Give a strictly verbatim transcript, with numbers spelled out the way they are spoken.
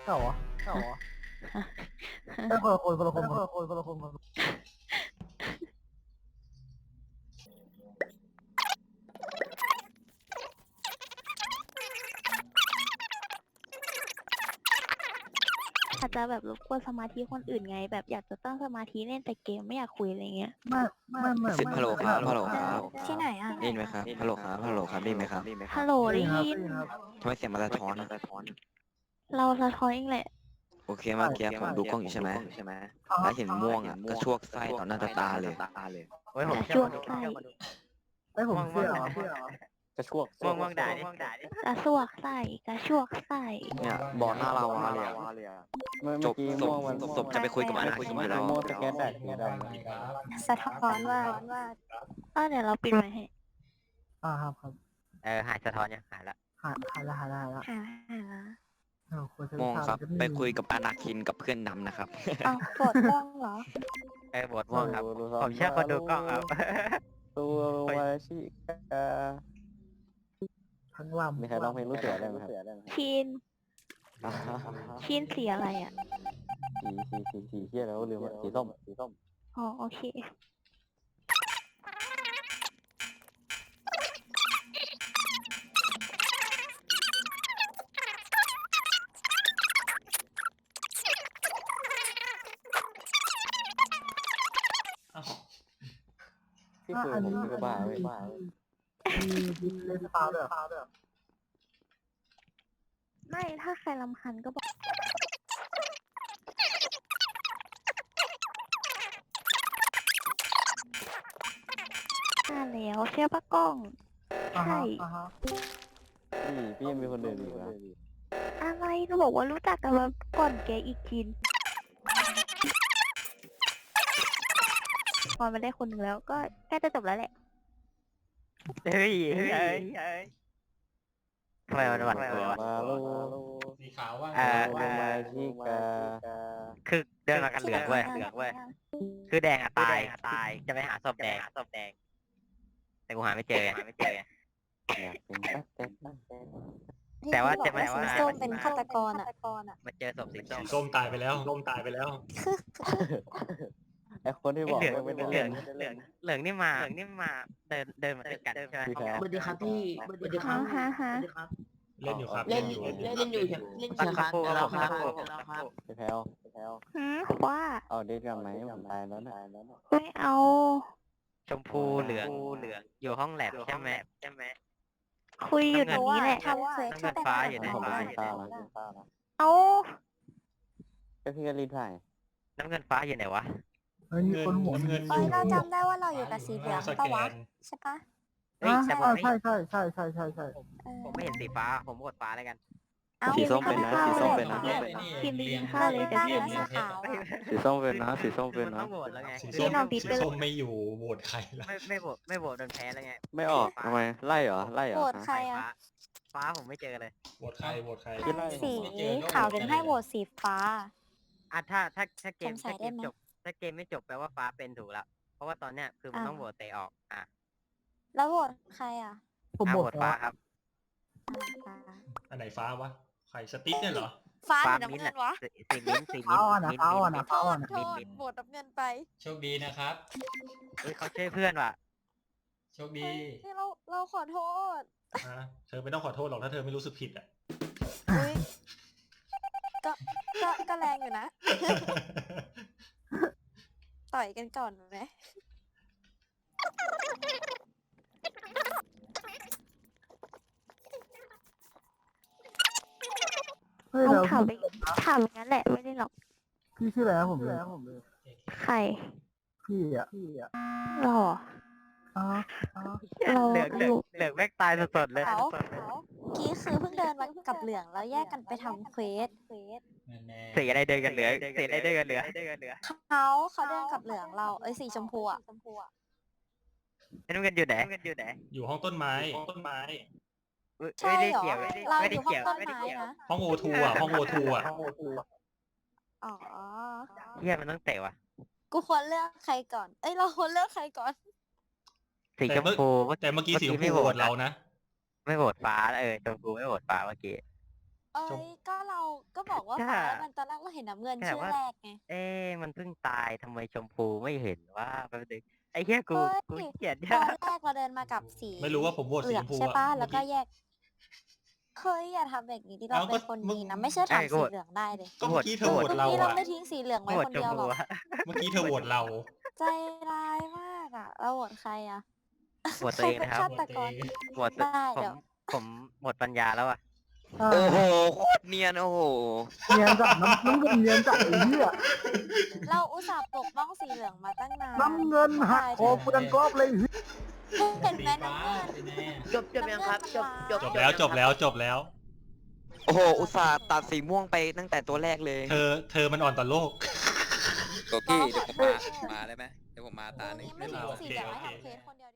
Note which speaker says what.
Speaker 1: เก่าเหรอเก่าเหรอเออคนละคนคนละคนคนละคนคนละคนคนละคน
Speaker 2: อาจจะแบบรบกวนสมาธิคนอื่นไง แบบอยากจะตั้งสมาธิเล่นแต่เกมไม่อยากคุยอะไรเงี้ย
Speaker 1: ไม่ไม่ไม่
Speaker 3: สิบ
Speaker 1: ไม่
Speaker 3: ฮัลโหลครับฮัลโหลครับ
Speaker 4: ที่ไหนอ่ะ
Speaker 3: ได้ยินไหมครับฮัลโหลครับฮัลโหลครับได้ยินไหมครับ
Speaker 2: ฮัลโหล
Speaker 1: ได้
Speaker 2: ได้
Speaker 1: ยินครับ
Speaker 2: ยิน
Speaker 1: ได้ยินครับ
Speaker 3: ทำไมเสียงมันสะท้อนอะ
Speaker 2: เราสะท้อนเองแหละ
Speaker 3: โอเคเมื่อกี้ผมดูกล้องอยู่ใช่ไหมแล้วเห็นม่วงอ่ะก็ชวกไส้ต่อหน้าต่อตาเลย
Speaker 5: โอ้ยผม
Speaker 2: กระ
Speaker 5: เชื่
Speaker 2: ช
Speaker 5: อ
Speaker 2: วก
Speaker 5: มาดู
Speaker 2: ไส้
Speaker 5: เชื่อมาดู
Speaker 1: ไอ้ยผมเชื่อเหรอเชื่อเหรอก
Speaker 6: ระชวก
Speaker 5: ม่วงม่วงด่าดิด่าดิ
Speaker 2: กระชวกไส้กระชวกไส้
Speaker 3: เนี่ยบอกหน้าเราอะเลยอะ
Speaker 6: เมื่อ
Speaker 3: จบ
Speaker 6: กี้
Speaker 3: ศ
Speaker 6: ม่
Speaker 3: พ
Speaker 6: วงมัน
Speaker 3: ศพจะไปคุยกับอนาคินอยู่แล้ว
Speaker 6: ม่วงสแกนแดดเนี่ยได้
Speaker 4: สะท้อนว่าว่า
Speaker 2: เออเดี๋ยวเราปิดไว้ให้
Speaker 1: อ่าครับครับ
Speaker 5: เออหายสะท้อนยังหายละ
Speaker 1: หาหาละหาละหาละ
Speaker 4: หาหา
Speaker 1: เออควรจะ
Speaker 3: ม่วงครับ
Speaker 1: ทำ
Speaker 3: ไปคุยกับอนาคินกับเพื่อนดำนะครับ
Speaker 4: เอาปวดกล้องเหรอ
Speaker 5: เออโหวตม่วงครับผมเชื่อคนดูกล้องครับ
Speaker 6: ตัววาชิกา
Speaker 1: ทั้งลำ
Speaker 6: มีใครร้องเพลงลูกเสือได้ไหมครับ
Speaker 2: ชินชินสีอะไรอ่ะ
Speaker 6: สีสีสีสีเฮียแล้วลืมอะสีส้มสีส้ม
Speaker 2: อ๋อโอเค
Speaker 6: ที่คุยผมคือกระบ้าเว้ย
Speaker 1: มีมีเลนส์ตาด้วยเหรอ
Speaker 2: ไม่ถ้าใครรำคาญก็บอกอ่าแล้วเชื่อปะกล้อง
Speaker 1: อ่า
Speaker 2: ใช่
Speaker 1: ฮะอ่าฮะ
Speaker 6: พี่พี่ยังมีคนอื่นอีกเหรอ
Speaker 2: อะไรก็บอกว่ารู้จักกันมาก่อนแกอีกทีนพอมาได้คนหนึ่งแล้วก็ใกล้จะจบแล้วแหละ
Speaker 5: เฮ้ยเฮ้ยเฮ้ยเฮ้ยทำไมมันหวั่นกลัววะ
Speaker 6: มาลู
Speaker 7: สีขาวว่า
Speaker 5: อ่า
Speaker 6: ตัววาชิกา
Speaker 5: คือเดินมากันเหลืองเว้ยเหลืองเว้ยคือแดงอะตายตายจะไปหาศพแดงศพแดง แต่กูหาไม่เจอหาไม่เจอ
Speaker 6: อยากเป็นแป๊บแป๊บแป๊บแป๊บ
Speaker 5: แต่ว่า
Speaker 4: ที่
Speaker 5: แต่
Speaker 4: บอก
Speaker 5: ว่า
Speaker 4: สีส้มเป็นฆาตกรอ่ะ
Speaker 5: มาเจอศพสีส้ม
Speaker 7: สีส้มตายไปแล้วส้มตายไปแล้ว
Speaker 6: ไอคนที่บอก
Speaker 5: เหลือง
Speaker 6: ไม่ได้
Speaker 5: เหลื
Speaker 6: เล่
Speaker 5: อง
Speaker 6: น
Speaker 5: เหลืองเหลืองนี่มาเหลืองนี่มาเดินเดินมาด้วยกันใช่ไหม
Speaker 6: พี่แพ้
Speaker 8: สวัสดีครับพี่สวัสดีค
Speaker 2: ฮะ
Speaker 8: รับ
Speaker 2: ฮะฮะ
Speaker 8: สวัสดีครับ
Speaker 7: เล่นอยู่ครับ
Speaker 8: เล่นอยู่เล่นอยู่ครับเล่นอ
Speaker 5: สัก
Speaker 8: ยู่ครับ
Speaker 5: ครู่ครับ
Speaker 8: แล้ว
Speaker 5: ผม
Speaker 8: ค
Speaker 5: สั
Speaker 8: รับ
Speaker 5: กครู่
Speaker 8: แล้วครับ
Speaker 6: พี่แพ้วพี่แพ้ว
Speaker 2: หืมว่า
Speaker 6: เอาเดทกันไหมผมตายแล้วนะ
Speaker 2: ไม่เอา
Speaker 5: ชมพูเหลืองเหลืองอยู่ห้องแลบใช่ไหมใช่ไหม
Speaker 2: คุยอยู่ตรงนี้แหละ
Speaker 4: ทำเควส
Speaker 5: น้ำเงินฟ้าอยู่ไหน
Speaker 6: ผมเป็นต้านะ
Speaker 2: เอา
Speaker 6: ก็พี่ก็รีบถ่าย
Speaker 5: น้ำเงินฟ้าอยู่ไหนวะ
Speaker 1: เฮ้ยมีคนหัว
Speaker 7: น้ำเงิน
Speaker 4: เอ้ยเราจำได้ว่าเราอยู่กับสีเหลือง
Speaker 7: ส
Speaker 4: ปะ
Speaker 7: แก
Speaker 4: วะ
Speaker 7: น
Speaker 4: ใช่ปะ
Speaker 5: เฮ้ย
Speaker 1: อ่า
Speaker 5: แต่ผมไม่
Speaker 1: ใช่ใช่ใช่ใช่ใช่ใช่
Speaker 4: เออ
Speaker 5: ผมไม่เห็นสีฟ้าผมกดฟ้าแล้วกัน
Speaker 4: เอ้า
Speaker 3: สีส้มเป็นนะสีส้มเป็นนะ
Speaker 2: กินไปกินข้าวเลยจะ
Speaker 4: ตั้ง
Speaker 2: เรียน
Speaker 4: แล้วสีขาวอะ
Speaker 6: สีส้มเป็นนะสีส้มเป็น
Speaker 5: มัน
Speaker 6: นะ
Speaker 5: ต้องโหวตแล้วไง
Speaker 7: สี
Speaker 2: พี่
Speaker 7: ส้ม
Speaker 2: น้องบิ๊ก
Speaker 7: สี
Speaker 2: ไปเลย
Speaker 7: ส้มไม่อยู่โหวตใครล่ะ
Speaker 5: ไม่ไม่โหวตไม่โหวตโดนแพ้แล้วไง
Speaker 6: ไม่ออกทำไมไล่เหรอไล่เหร
Speaker 4: โห
Speaker 6: อ
Speaker 4: วตใครอ่ะ
Speaker 5: ฟ้าฟ้าผมไม่เจอเลย
Speaker 7: โหวตใครโหวตใคร
Speaker 6: ที่ไล่
Speaker 4: สีขาวถึงให้โหวตสีฟ้า
Speaker 5: อ่ะถ้าถ้าถ้าเกม
Speaker 4: สงสั
Speaker 5: ถ้าย เก
Speaker 4: ได้
Speaker 5: ม
Speaker 4: ไหม
Speaker 5: จบถ้าเกมไม่จบแปลว่าฟ้าเป็นถูกแล้ว เพราะว่าตอนเนี้ยคือมันต้องโหวตเตะออกอ่ะ
Speaker 4: แล้วโหวตใครอ่ะ
Speaker 1: ผม
Speaker 5: อ่ะ
Speaker 1: บ
Speaker 5: โห
Speaker 1: อ
Speaker 5: ว
Speaker 1: ก
Speaker 5: ตฟ้า
Speaker 1: ว่า
Speaker 5: ครับ
Speaker 4: อ่า
Speaker 7: อันไหนฟ้าวะใครสติ๊กเนี่ยเหรอ
Speaker 4: ฟ้าห
Speaker 5: ฟ้า
Speaker 4: รือ
Speaker 5: มิ้
Speaker 4: น้ำ
Speaker 5: นท์
Speaker 4: เงิ
Speaker 5: อะ
Speaker 4: นวะ
Speaker 5: สีสีมิ้นท์สีมิ้น
Speaker 1: ฟ้า
Speaker 5: ท์
Speaker 1: อ่อนนะ
Speaker 5: มิ้นท์
Speaker 1: ฟ้าอ่อน
Speaker 5: มิ้
Speaker 1: นะ
Speaker 5: นท์
Speaker 1: ฟ้าอ่อนนะ
Speaker 4: โทษโหวตน้ำเงินไป
Speaker 7: โชคดีนะครับ
Speaker 5: เฮ้ยเขาช่วยเพื่อนว่ะ
Speaker 7: โชคดี
Speaker 4: เฮ้ยเราเราขอโทษ
Speaker 7: ฮะเธอไม่ต้องขอโทษหรอกถ้าเธอไม่รู้สึกผิดอ่ะ
Speaker 4: อุ้ยก็ก็ก็แรงอยู่นะ ต่อยกันก่อนไหม
Speaker 1: เฮ้ย
Speaker 2: เอา
Speaker 1: แล้ว
Speaker 2: ถาม
Speaker 1: พี่
Speaker 2: ไปถามอย่างนั้นแหละไม่ได้หรอก
Speaker 1: พี่ชื่ออะไรนะผมเลย
Speaker 2: ใคร
Speaker 1: พี่อ่ะพี่อ่ะ
Speaker 2: หรอ
Speaker 1: อ๋ออ๋อ
Speaker 2: เรา
Speaker 5: เหลืองเหลือง
Speaker 2: อยู่
Speaker 5: เหลืองแม่งตายสดๆเลย
Speaker 4: เขากี้คือเพิ่งเดินมากับเหลืองแล้วแยกกันไปทำเควส
Speaker 7: แน่
Speaker 5: สีอะไรเดินกันเหลืองสีอะไรเดินกันเหลือง
Speaker 4: เขาเขาเดินกับเหลืองเราเอ้ยสีชมพูอ่ะ
Speaker 5: ไอ้น้ำเงินอยู่ไหนน้ำเงินอยู่ไหน
Speaker 7: อยู่ห้องต้นไม้ต้นไม้
Speaker 4: ใช่
Speaker 5: ไม่ได้
Speaker 4: เหรอ
Speaker 5: เกี่ยว
Speaker 4: เรา
Speaker 5: ไม่
Speaker 4: อ
Speaker 5: ได้
Speaker 4: ยู่ห้อง
Speaker 5: เกี่ยว
Speaker 4: ต้น
Speaker 5: ไม่ได้
Speaker 4: ไม้
Speaker 5: เกี่ยว
Speaker 4: นะ
Speaker 7: ห้องโอทูอ่ะห้องโอทูอ่ะ
Speaker 4: อ๋อ
Speaker 5: เฮียมันต้องเตะว่ะ
Speaker 4: กูควรเลือกใครก่อน เอ้ยเราควรเลือกใครก่อน
Speaker 5: สีชมพูเมื่อ
Speaker 7: แต่เมื่อกี้สีชม
Speaker 5: ไม่
Speaker 7: พู
Speaker 5: โห
Speaker 7: โห
Speaker 5: ว
Speaker 7: ว
Speaker 5: ต
Speaker 7: ตเรานะ
Speaker 5: ไม่โหวตฟ้าเออชมพูไม่โหวตฟ้าเมื่อกี้
Speaker 4: เอ้ยก็เราก็บอกว่าฟ้ามันตอนแรกเราเห็นน้ำเงินชื่อแรกไง
Speaker 5: เอ๊ะมันเพิ่งตายทำไมชมพูไม่เห็นว่าแป๊บนึงไอ้เหี้ยกู
Speaker 4: เฮ้ย
Speaker 5: กูเกลียด
Speaker 4: ต
Speaker 5: เนี่ย
Speaker 4: อนแรกเราเดินมากับสี
Speaker 7: ไม่รู้ว่าผมโหวต
Speaker 4: เห
Speaker 7: สี
Speaker 4: ลื
Speaker 7: ช
Speaker 4: อง
Speaker 7: มพู
Speaker 4: ใช่
Speaker 7: อะ
Speaker 4: ปะ
Speaker 7: เมื่
Speaker 4: แล้
Speaker 7: อ
Speaker 4: วก็
Speaker 7: กี้
Speaker 4: แยกเฮ้ยอย่าทำแบบนี้ดิเรา
Speaker 7: เอาก็
Speaker 4: เป็นคน
Speaker 7: เมื่อ
Speaker 4: ดีนะไม่ใช่ถามสีเหลืองได้เลย
Speaker 7: ก็เมื่อกี้เธอโหวตเรา
Speaker 4: นี่เรา
Speaker 7: อะ
Speaker 4: ไม่ทิ้งสีเหลืองไว้
Speaker 5: โหว
Speaker 4: ค
Speaker 5: ต
Speaker 4: น
Speaker 5: ชม
Speaker 4: เดียว
Speaker 5: พู
Speaker 4: หรอก
Speaker 5: อะ
Speaker 7: เมื่อกี้เธอโหวตเรา
Speaker 4: ใจร้ายมากอ่ะเราโหวตใครอ่ะ
Speaker 5: โหวตตัวเองนะครับ
Speaker 4: ฆาตกร
Speaker 5: โหวตตัว
Speaker 4: ได้
Speaker 5: ผม
Speaker 4: เดี๋ยว
Speaker 5: ผมหมดปัญญาแล้วอ่ะ
Speaker 3: โอ้โหโคตรเนียนโอ้โห
Speaker 1: เนียนจัดน้ำน้ำเงินเนียนจัดไอ้เหี้ย
Speaker 4: เราอุตส่าห์ปกป้องสีเหลืองมาตั้งนาน
Speaker 1: น้ำเงินหักคอกูดังกรอบเลย
Speaker 4: เห็นไหมน้ำเงิน
Speaker 8: จบจบยังครับ จบจบ
Speaker 7: จบแล้วจบแล้วจบแล้ว
Speaker 3: โอ้โหอุตส่าห์ตัดสีม่วงไปตั้งแต่ตัวแรกเลย
Speaker 7: เธอเธอมันอ่อนต่อโลก
Speaker 9: ตัวพี่เดี๋ยวผมมามาได้ไหมเดี๋ยวผมมาตาหนึ่ง
Speaker 4: นี่ไม่ทิ้งสีเหลืองไว้ทำเควสคนเดียว